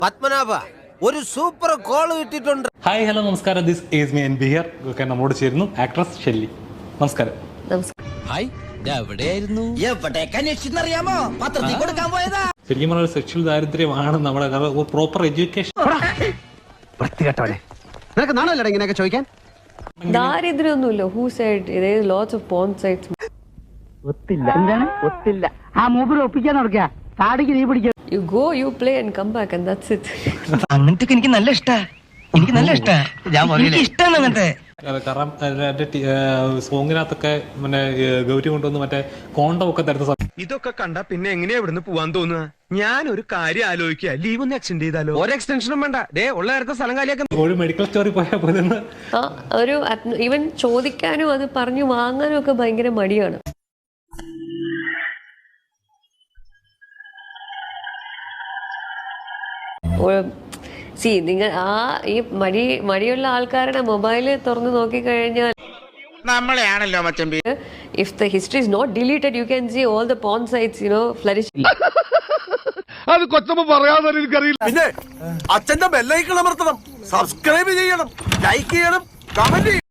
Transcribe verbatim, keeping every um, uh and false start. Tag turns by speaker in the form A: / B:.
A: പത്മനാഭ ഒരു super call കിട്ടിയിട്ടുണ്ട്.
B: Hi hello നമസ്കാരം, ദിസ് ഈസ് മീ എൻ ബിയർ. ഒക്കെ നമ്മോട് ചേരുന്നു ആക്ട്രസ് ഷെല്ലി. നമസ്കാരം.
C: ഹായ്, എവിടെയായിരുന്നു? എവിടേക്ക് അന്വേഷിച്ചെന്നറിയാമോ? പത്രത്തിൽ കൊടുക്കാൻ പോയതാ.
B: ശരിക്കും പറഞ്ഞ സെക്ഷൽ ദാരിദ്ര്യമാണ് നമ്മുടെ പ്രോപ്പർ എഡ്യൂക്കേഷൻ.
A: നിനക്ക് നാണല്ലോ ഇങ്ങനെയൊക്കെ ചോദിക്കാൻ?
D: ദാരിദ്ര്യമൊന്നുമില്ല. Who side there is lots of porn sites.
E: ഒത്തില്ല. എന്താണ് ഒത്തില്ല? ആ മൂപ്പര് ഒപ്പിക്കാൻ നടക്കുക. താടിക്ക് നീ പിടിക്കുക.
D: You go, you play and come back and that's it.
C: അങ്ങനത്തെ എനിക്ക് നല്ല ഇഷ്ടാ. എനിക്ക് നല്ല ഇഷ്ടാ. എനിക്ക് ഇഷ്ടാണ് അങ്ങനത്തെ.
B: കാരണം സോങ്ങിനകത്തൊക്കെ മറ്റേ ഗൗരി കൊണ്ടുവന്ന് മറ്റേ കോണ്ടം ഒക്കെ തരുന്ന
F: ഇതൊക്കെ കണ്ട പിന്നെ എങ്ങനെയാ ഇവിടുന്ന് പോവാൻ തോന്നുക? ഞാൻ ഒരു കാര്യം ആലോചിക്കുക, ലീവ് ഒന്ന് എക്സ്റ്റെൻഡ് ചെയ്താലോ? ഒരു എക്സ്റ്റൻഷനും വേണ്ട, ഡേ ഉള്ള നേരത്തെ സ്ഥലം കാലിയാക്കാൻ
B: ഒരു മെഡിക്കൽ സ്റ്റോറിൽ പോയാൽ പോലെ
D: ആ ഒരു ഈവൻ ചോദിക്കാനും അത് പറഞ്ഞു വാങ്ങാനും ഒക്കെ ഭയങ്കര മടിയാണ്. സി നിങ്ങൾ ആ ഈ മടി മടിയുള്ള ആൾക്കാരുടെ മൊബൈല് തുറന്ന് നോക്കിക്കഴിഞ്ഞാൽ
F: നമ്മളെയാണല്ലോ മച്ചമ്പി.
D: if the history is not deleted you can see all the porn sites, you know, flourishing.
F: അത് കൊച്ചമ്മ പറയാതെ എനിക്കറിയില്ല.
A: പിന്നെ അച്ഛന്റെ ബെല്ലൈക്കൺ അമർത്തണം, സബ്സ്ക്രൈബ് ചെയ്യണം, ലൈക്ക് ചെയ്യണം, കമന്റ്